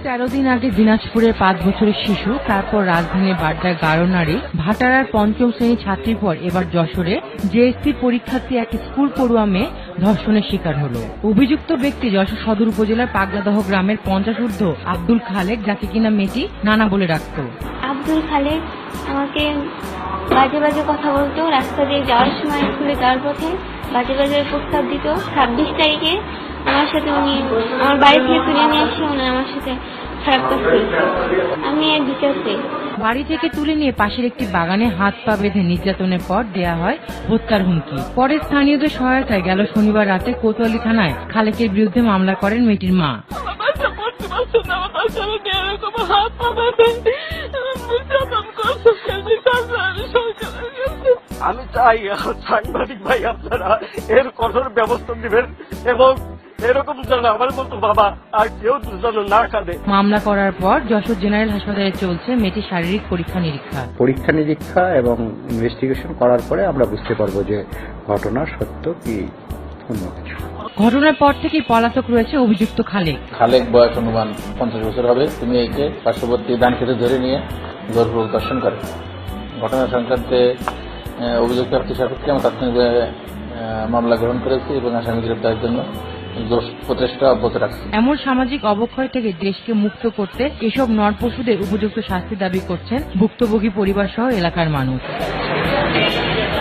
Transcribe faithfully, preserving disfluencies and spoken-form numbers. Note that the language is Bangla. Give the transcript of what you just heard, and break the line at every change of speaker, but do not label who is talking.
তেরো দিন আগে দিনাজপুরের পাঁচ বছরের শিশু, তারপর রাজধানীর বাড্ডার গারো নারী, ভাটারার পঞ্চম শ্রেণী ছাত্রীর পর এবার যশোরে জেএসসি পরীক্ষার্থী এক স্কুল পড়ুয়া মেয়ে ধর্ষণের শিকার হল। অভিযুক্ত ব্যক্তি যশোর সদর উপজেলার পাগলাদহ গ্রামের পঞ্চাশ ঊর্ধ্ব আব্দুল খালেক, যাকে কিনা মেয়েটি নানা বলে ডাকত।
আব্দুল খালেক আমাকে বাজে বাজে কথা বলতো, রাস্তা দিয়ে যাওয়ার সময় স্কুলে যাওয়ার পথে বাজে বাজে প্রস্তাব দিত। ছাব্বিশ তারিখে আমার সাথে উনি আমার বাড়ি থেকে তুলে নিয়ে আসে, উনি আমার সাথে খারাপ কাজ করেছে। আমি এর বিচার চাই।
বাড়ি থেকে তুলে নিয়ে পাশের একটি বাগানে হাত পা বেঁধে নির্যাতনের পর দেয়া হয় হত্যার হুমকি। পরে স্থানীয়দের সহায়তায় গেল শনিবার রাতে কোতোয়ালি থানায় খালেকের বিরুদ্ধে মামলা করেন মেয়েটির মা।
আমি চাই সাংবাদিক ভাই আপনারা এর কঠোর ব্যবস্থা দিবেন এবং এরকম যেন আমার মতো বাবা আর কেউ যেন না কাঁদে।
মামলা করার পর যশোর জেনারেল হাসপাতালে চলছে মেয়েটির শারীরিক পরীক্ষা নিরীক্ষা
পরীক্ষা নিরীক্ষা এবং ইনভেস্টিগেশন করার পরে আমরা বুঝতে পারবো যে ঘটনার সত্য কি অন্য কিছু।
ঘটনার পর থেকেই পলাতক রয়েছে অভিযুক্ত খালেক।
খালেক বয়স অনুমান পঞ্চাশ বছর হবে। তিনি একে পার্শ্ববর্তী ধান খেতে ধরে নিয়ে জোরপূর্বক ধর্ষণ করে। ঘটনা সংক্রান্তে অভিযুক্ত ব্যক্তি সাপেক্ষে আমরা তাৎক্ষণিকভাবে মামলা গ্রহণ করেছি এবং আসামি গ্রেপ্তারের জন্য প্রচেষ্টা অব্যাহত রাখছি।
এমন সামাজিক অবক্ষয় থেকে দেশকে মুক্ত করতে এসব নরপশুদের উপযুক্ত শাস্তি দাবি করছেন ভুক্তভোগী পরিবার সহ এলাকার মানুষ।